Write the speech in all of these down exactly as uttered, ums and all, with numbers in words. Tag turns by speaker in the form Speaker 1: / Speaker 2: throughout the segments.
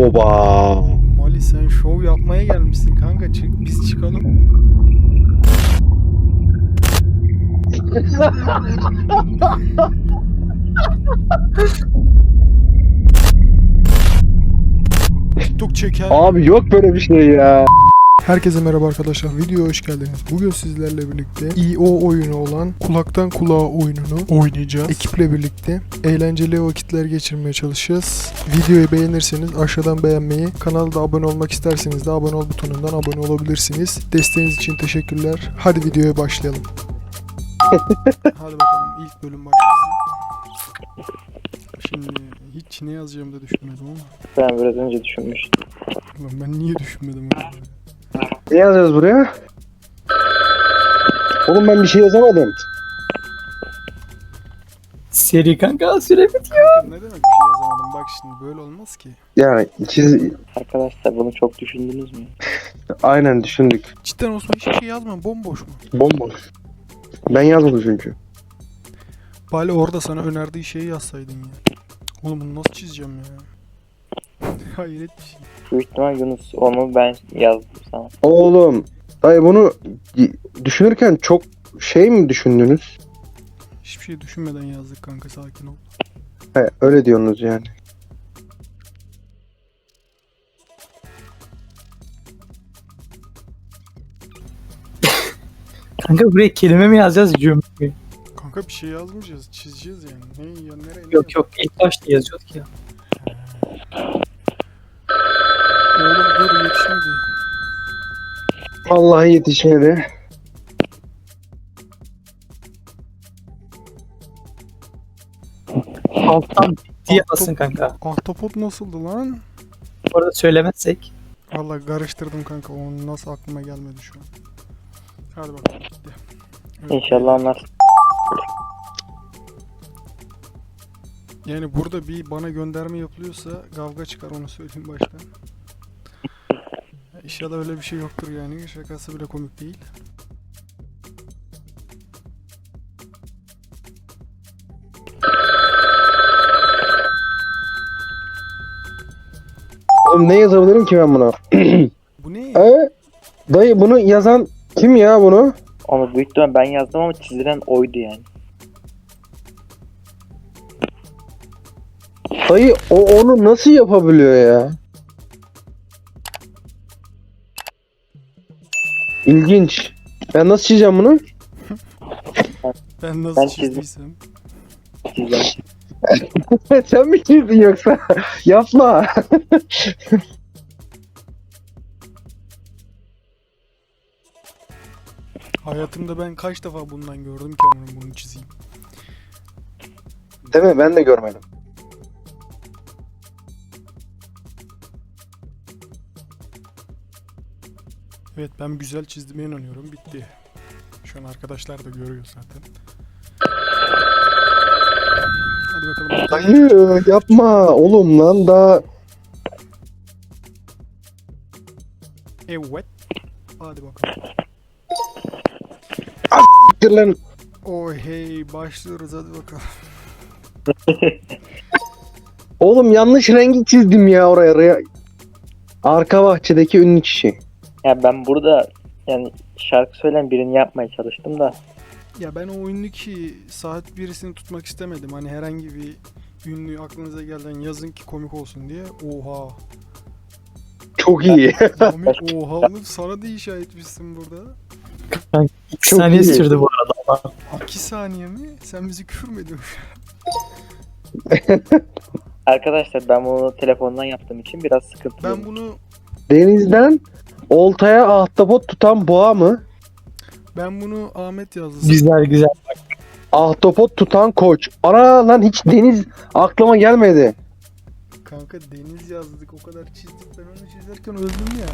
Speaker 1: Oba.
Speaker 2: Mali sen şov yapmaya gelmişsin kanka. Çık, biz çıkalım. TikTok çeker.
Speaker 1: Abi yok böyle bir şey ya.
Speaker 2: Herkese merhaba arkadaşlar. Videoya hoş geldiniz. Bugün sizlerle birlikte i o oyunu olan kulaktan kulağa oyununu oynayacağız. Ekiple birlikte eğlenceli vakitler geçirmeye çalışacağız. Videoyu beğenirseniz aşağıdan beğenmeyi, kanalda abone olmak isterseniz de abone ol butonundan abone olabilirsiniz. Desteğiniz için teşekkürler. Hadi videoya başlayalım. Hadi bakalım, ilk bölüm başlasın. Şimdi hiç ne yazacağımı da düşünmedim ama.
Speaker 3: Ben biraz önce düşünmüştüm.
Speaker 2: Ulan ben niye düşünmedim öyle?
Speaker 1: Ne yazacağız buraya? Oğlum ben bir şey yazamadım.
Speaker 3: Seri kanka süre bitiyor.
Speaker 2: Kanka ne demek bir şey yazamadım? Bak şimdi böyle olmaz ki.
Speaker 1: Yani çiz...
Speaker 3: Arkadaşlar bunu çok düşündünüz mü?
Speaker 1: Aynen düşündük.
Speaker 2: Cidden Osman hiçbir şey yazma, bomboş mu?
Speaker 1: Bomboş. Ben yazmadım çünkü.
Speaker 2: Bari orada sana önerdiği şeyi yazsaydın ya. Oğlum bunu nasıl çizeceğim ya? Hayret bir şey.
Speaker 3: Büyük ihtimal Yunus onu ben yazdım sana.
Speaker 1: Oğlum. Dayı bunu düşünürken çok şey mi düşündünüz?
Speaker 2: Hiçbir şey düşünmeden yazdık kanka, sakin ol.
Speaker 1: He, öyle diyorsunuz yani.
Speaker 4: Kanka buraya kelime mi yazacağız, cümle mi?
Speaker 2: Kanka bir şey yazmayacağız, çizeceğiz yani. Ne ya, nereye? ne
Speaker 4: Yok yok, ilk başta yazıyorduk ya.
Speaker 2: Oğlum dur, yetişmedi.
Speaker 1: Vallahi yetişmedi.
Speaker 4: Alttan bitti yazsın kanka.
Speaker 2: Ahtapot nasıldı lan?
Speaker 4: Bu arada söylemezsek.
Speaker 2: Vallahi karıştırdım kanka, onun nasıl aklıma gelmedi şu an. Hadi bakalım, gitti. Evet.
Speaker 3: İnşallah anlarsın.
Speaker 2: Yani burada bir bana gönderme yapılıyorsa kavga çıkar, onu söyleyeyim baştan. İnşallah öyle bir şey yoktur yani. Şakası bile komik değil.
Speaker 1: Oğlum ne yazabilirim ki ben buna?
Speaker 2: Bu ne?
Speaker 1: He? Dayı bunu yazan kim ya bunu?
Speaker 3: Onu büyük ihtimal ben yazdım ama çizilen oydu yani.
Speaker 1: Dayı o onu nasıl yapabiliyor ya? İlginç. Ben nasıl çizeceğim bunu?
Speaker 2: Ben nasıl
Speaker 3: Ben çizdim.
Speaker 2: çizdiysem.
Speaker 3: Çizilen.
Speaker 1: Sen mi çizdin yoksa? Yapma.
Speaker 2: Hayatımda ben kaç defa bundan gördüm ki ama bunu çizeyim.
Speaker 1: Değil mi? Ben de görmedim.
Speaker 2: Evet, ben güzel çizdiğime inanıyorum. Bitti. Şu an arkadaşlar da görüyor zaten. Hadi bakalım.
Speaker 1: Dayı yapma oğlum lan daha.
Speaker 2: Evet. Hadi bakalım.
Speaker 1: Dur lan.
Speaker 2: Oh hey, başlıyoruz, hadi bakalım.
Speaker 1: Oğlum yanlış rengi çizdim ya oraya. Oraya. Arka bahçedeki ünlü kişi.
Speaker 3: Ya ben burada yani şarkı söyleyen birini yapmaya çalıştım da.
Speaker 2: Ya ben o ünlü saat birisini tutmak istemedim. Hani herhangi bir ünlü aklınıza gelen yazın ki komik olsun diye. Oha.
Speaker 1: Çok iyi.
Speaker 2: Komik, oha oğlum, sana da inşa etmişsin burada.
Speaker 4: İki
Speaker 1: Çok
Speaker 4: saniye
Speaker 1: iyi.
Speaker 4: sürdü bu arada.
Speaker 2: iki saniye mi? Sen bizi küfür mü ediyorsun?
Speaker 3: Arkadaşlar ben bunu telefondan yaptığım için biraz sıkıntı.
Speaker 2: Ben bunu
Speaker 1: Denizden oltaya ahtapot tutan boğa mı?
Speaker 2: ben bunu Ahmet yazdı.
Speaker 4: Güzel güzel.
Speaker 1: Ahtapot tutan koç. Ana lan hiç deniz aklıma gelmedi.
Speaker 2: Kanka deniz yazdık, o kadar çizdik, ben onu çizerken öldüm ya.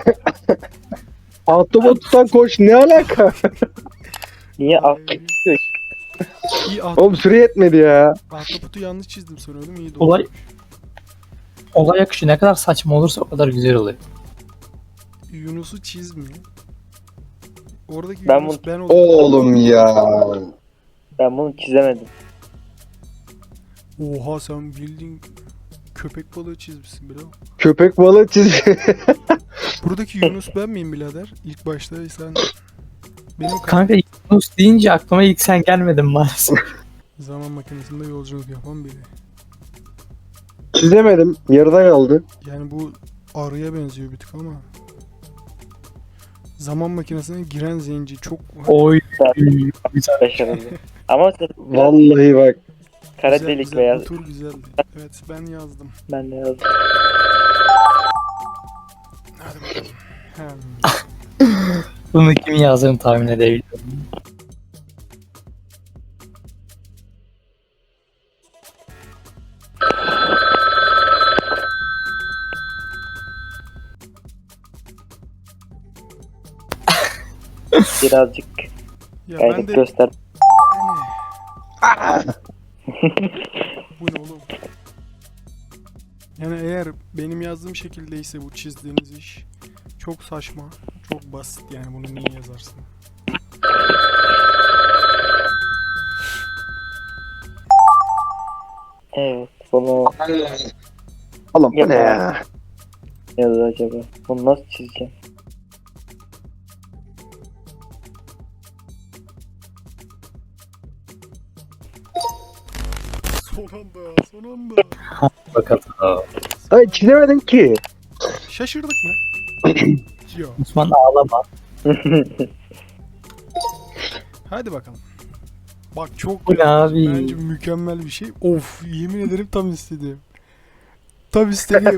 Speaker 1: Ahtapot tutan koç ne alaka?
Speaker 3: Niye
Speaker 2: Ay,
Speaker 3: aklı
Speaker 2: İyi, aht-
Speaker 1: Oğlum süre yetmedi ya.
Speaker 2: ahtapotu yanlış çizdim sanıyordum, iyi de
Speaker 4: Olay-
Speaker 2: olmuş.
Speaker 4: Olay akışı ne kadar saçma olursa o kadar güzel oluyor.
Speaker 2: Yunus'u çizmiyor. Oradaki
Speaker 3: Ben
Speaker 2: Yunus
Speaker 3: bunu-
Speaker 2: ben oldum.
Speaker 1: Oğlum ya.
Speaker 3: Ben bunu çizemedim.
Speaker 2: Oha, sen bildiğin köpek balığı çizmişsin birader.
Speaker 1: Köpek balığı çiz.
Speaker 2: Buradaki Yunus ben miyim birader? İlk başta sen benim
Speaker 4: Kanka Yunus deyince aklıma ilk sen gelmedin maalesef.
Speaker 2: zaman makinesinde yolculuk yapan biri.
Speaker 1: Çizemedim. Yarıda kaldı.
Speaker 2: Yani bu arıya benziyor bir tık ama. Zaman makinesine giren zenci çok
Speaker 4: Oy. Güzel.
Speaker 3: Başarılı. Ama sen
Speaker 1: Vallahi bak.
Speaker 3: kara
Speaker 2: güzel,
Speaker 3: delik
Speaker 2: güzel.
Speaker 3: veya
Speaker 2: Bu tur güzeldi. Evet ben yazdım.
Speaker 3: ben de yazdım.
Speaker 2: Hadi bakalım. Hem.
Speaker 4: Bunu kim yazdığını tahmin edebiliyorum.
Speaker 3: Birazcık
Speaker 2: Ya ben
Speaker 3: gayret
Speaker 2: de
Speaker 3: göster.
Speaker 2: yani. Bu ne oğlum? Yani eğer benim yazdığım şekildeyse bu çizdiğiniz iş çok saçma, çok basit yani bunu niye yazarsın?
Speaker 3: Evet. Bunu
Speaker 1: Oğlum bu ne
Speaker 3: Yapma.
Speaker 1: ya?
Speaker 3: ne yazar acaba? Bunu nasıl çizeceğim?
Speaker 2: Son anda, son anda.
Speaker 4: Bakalım.
Speaker 1: Ay çizemedim ki.
Speaker 2: Şaşırdık mı? Yok.
Speaker 4: Osman ağlama.
Speaker 2: Hadi bakalım. Bak çok
Speaker 4: Bu ne abi?
Speaker 2: bence mükemmel bir şey. Of yemin ederim tam istediğim. Tam istediğim.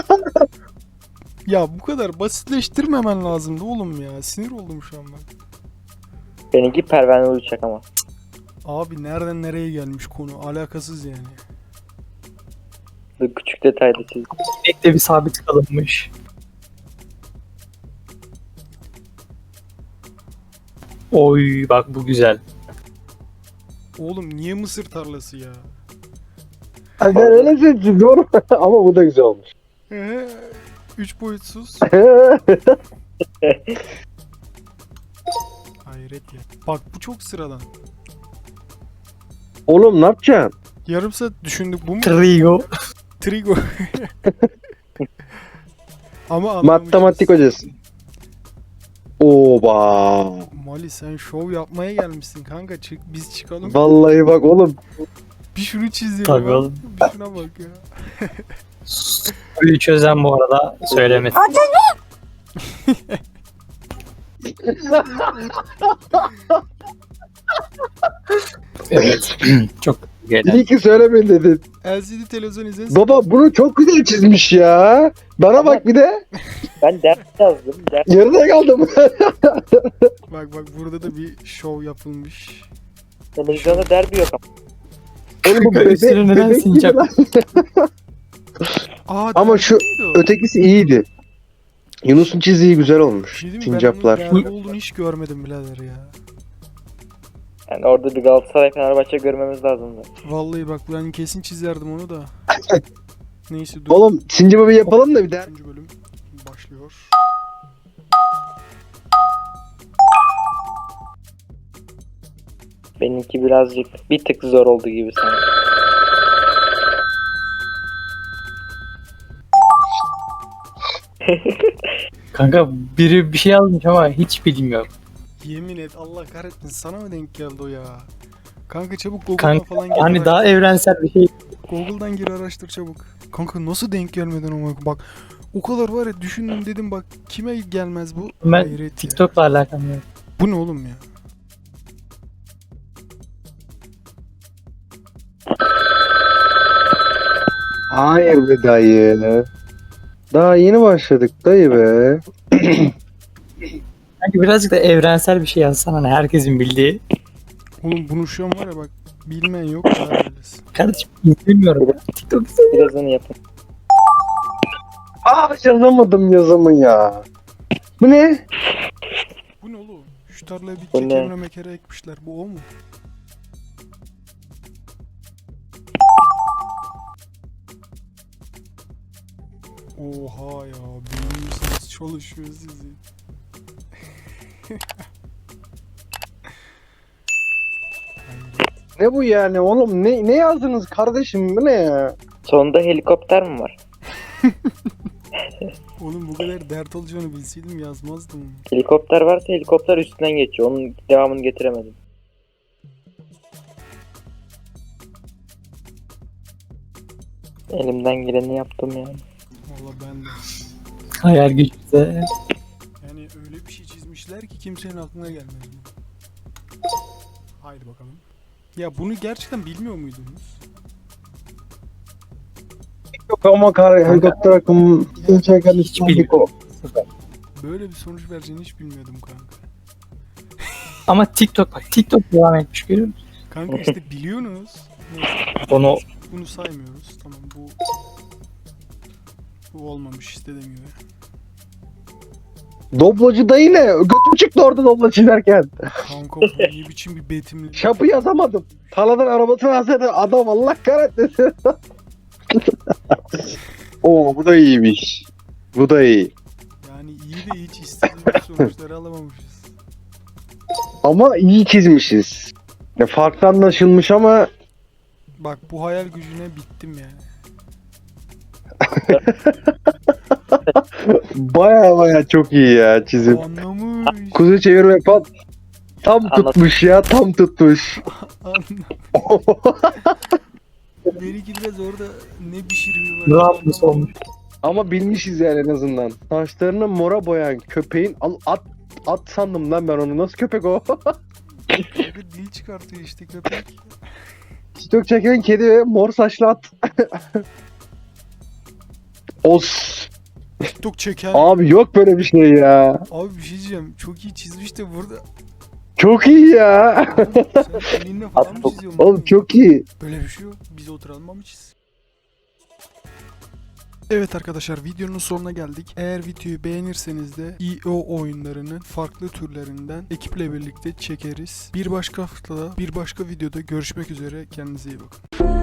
Speaker 2: Ya bu kadar basitleştirmemen lazımdı oğlum ya. Sinir oldum şu an ben.
Speaker 3: Benimki pervane uçak ama.
Speaker 2: Abi nereden nereye gelmiş konu? Alakasız yani.
Speaker 3: Bu küçük detayda çizdim.
Speaker 4: Ekte bir sabit kalınmış. Oy bak bu güzel.
Speaker 2: Oğlum niye mısır tarlası ya?
Speaker 1: Ay ben öyle çiziyorum. Ama bu da güzel olmuş.
Speaker 2: Ee, Üç boyutsuz. Hayret ya. Bak bu çok sıradan.
Speaker 1: Oğlum ne yapacaksın?
Speaker 2: Yarım saat düşündük bu mu?
Speaker 4: Trigo.
Speaker 2: Trigo. Ama
Speaker 1: Matematik
Speaker 2: anlamışız.
Speaker 1: hocası. Oba.
Speaker 2: Mali sen şov yapmaya gelmişsin kanka. Çık, biz çıkalım.
Speaker 1: Vallahi bak oğlum.
Speaker 2: Bir şunu çizelim.
Speaker 4: Tabii
Speaker 2: abi.
Speaker 4: oğlum.
Speaker 2: Bir şuna bak ya.
Speaker 4: Soruyu çözen bu arada söylemesi. Evet. Çok güzel.
Speaker 1: İyi ki söylemeyin dedin.
Speaker 2: L C D televizyon izlesin.
Speaker 1: Baba bunu çok güzel çizmiş ya. Bana bak bir de.
Speaker 3: Ben ders yazdım. Ders
Speaker 1: Yarıda kaldım.
Speaker 2: Bak bak burada da bir şov yapılmış.
Speaker 3: televizyonda derbi yok ama.
Speaker 1: Oğlum bu bebek,
Speaker 4: Üstüne neden
Speaker 1: bebek gibi
Speaker 4: sincap?
Speaker 1: lan.
Speaker 2: Aa,
Speaker 1: Ama
Speaker 2: derbi
Speaker 1: şu
Speaker 2: neydi o?
Speaker 1: Ötekisi iyiydi. Yunus'un çizdiği güzel
Speaker 2: Bir
Speaker 1: olmuş.
Speaker 2: şey diyeyim mi? Ben
Speaker 1: Sincaplar.
Speaker 2: onun derbi olduğunu hiç görmedim birader ya.
Speaker 3: Yani orada bir Galatasaray Fenerbahçe görmemiz lazımdı.
Speaker 2: Vallahi bak ben kesin çizerdim onu da. Neyse dur.
Speaker 1: Oğlum sincapı bir yapalım da bir der.
Speaker 2: Üçüncü bölüm başlıyor.
Speaker 3: Benimki birazcık bir tık zor oldu gibi sanki.
Speaker 4: Kanka biri bir şey yazmış ama hiç bilmiyorum.
Speaker 2: Yemin et Allah kahretsin sana mı denk geldi o ya? Kanka çabuk Google'dan
Speaker 4: Kanka
Speaker 2: falan gir.
Speaker 4: hani
Speaker 2: araştır.
Speaker 4: daha evrensel bir şey.
Speaker 2: Google'dan gir araştır çabuk. Kanka nasıl denk gelmeden ama bak o kadar var ya düşündüm dedim bak kime gelmez bu?
Speaker 4: Ben
Speaker 2: Hayret ya.
Speaker 4: TikTok'la alakam yok.
Speaker 2: Bu ne oğlum ya?
Speaker 1: Hayır be dayı. Daha yeni başladık dayı be.
Speaker 4: Sanki birazcık da evrensel bir şey yazsan hani herkesin bildiği.
Speaker 2: Oğlum bunu şu an var ya bak bilmeyen yok da öylesin.
Speaker 4: Kardeşim bilmiyorum. TikTok izlemiyorum.
Speaker 3: Birazını yapın.
Speaker 1: Aa yazamadım yazımı ya. Bu ne?
Speaker 2: Bu ne oğlum? Şu tarlaya bir
Speaker 3: Bu ne?
Speaker 2: kekemre mekere ekmişler. Bu o mu? Oha ya beyniniz çalışıyor sizin. Hayret.
Speaker 1: Ne bu yani oğlum? Ne ne yazdınız kardeşim? Bu ne ya?
Speaker 3: Sonunda helikopter mi var?
Speaker 2: Oğlum bu kadar dert olacağını bilseydim yazmazdım.
Speaker 3: Helikopter varsa helikopter üstünden geçiyor. Onun devamını getiremedim. Elimden geleni yaptım yani.
Speaker 2: Valla ben de.
Speaker 4: Hayal gücümüze.
Speaker 2: Yani öyle bir şey çizmişler ki kimsenin aklına gelmez bu. Haydi bakalım. Ya bunu gerçekten bilmiyor muydunuz?
Speaker 1: Yok ama kar helikopter akımı çeken
Speaker 4: Hiç
Speaker 1: İstanbul.
Speaker 4: bilmiyorum. Sıfır.
Speaker 2: Böyle bir sonuç vereceğini hiç bilmiyordum kanka.
Speaker 4: Ama TikTok bak TikTok devam etmiş görüyor musun?
Speaker 2: Kanka işte biliyorsunuz. Neyse,
Speaker 4: Onu
Speaker 2: bunu saymıyoruz. Tamam bu bu olmamış istediğim gibi.
Speaker 1: Doblacı da yine götüm çıktı orada dobla çizerken.
Speaker 2: Kanka bu ne biçim bir betimli.
Speaker 1: Şapı yazamadım. Taladan arabasını alsaydı adam Allah kahretmesin. Oo bu da iyiymiş. Bu da iyi.
Speaker 2: Yani iyi de hiç istediğimiz sonuçları alamamışız.
Speaker 1: Ama iyi çizmişiz. Ya farklı anlaşılmış ama
Speaker 2: Bak bu hayal gücüne bittim yani.
Speaker 1: baya baya çok iyi ya çizim.
Speaker 2: O anlamış.
Speaker 1: Kuzu çevirme pat. Tam
Speaker 3: Anladım.
Speaker 1: tutmuş ya tam tutmuş.
Speaker 2: Anlamış. Benimki biraz orada ne pişiriyor
Speaker 4: ne yapmış olmuş?
Speaker 1: Ama bilmişiz yani en azından. Saçlarını mora boyayan köpeğin al at at sandım lan ben onu. Nasıl köpek o?
Speaker 2: Kanka dil çıkartıyor işte köpek.
Speaker 1: TikTok çeken kedi ve mor saçlı at. Os.
Speaker 2: TikTok çeken.
Speaker 1: Abi yok böyle bir şey ya.
Speaker 2: Abi bir şey diyeceğim. Çok iyi çizmiş de burada.
Speaker 1: Çok iyi ya.
Speaker 2: Sen elinle falan mı çiziyorsun?
Speaker 1: Oğlum çok iyi.
Speaker 2: Böyle bir şey yok. Biz oturalım mı çiz? Evet arkadaşlar videonun sonuna geldik. Eğer videoyu beğenirseniz de i o oyunlarının farklı türlerinden ekiple birlikte çekeriz. Bir başka haftada bir başka videoda görüşmek üzere. Kendinize iyi bakın.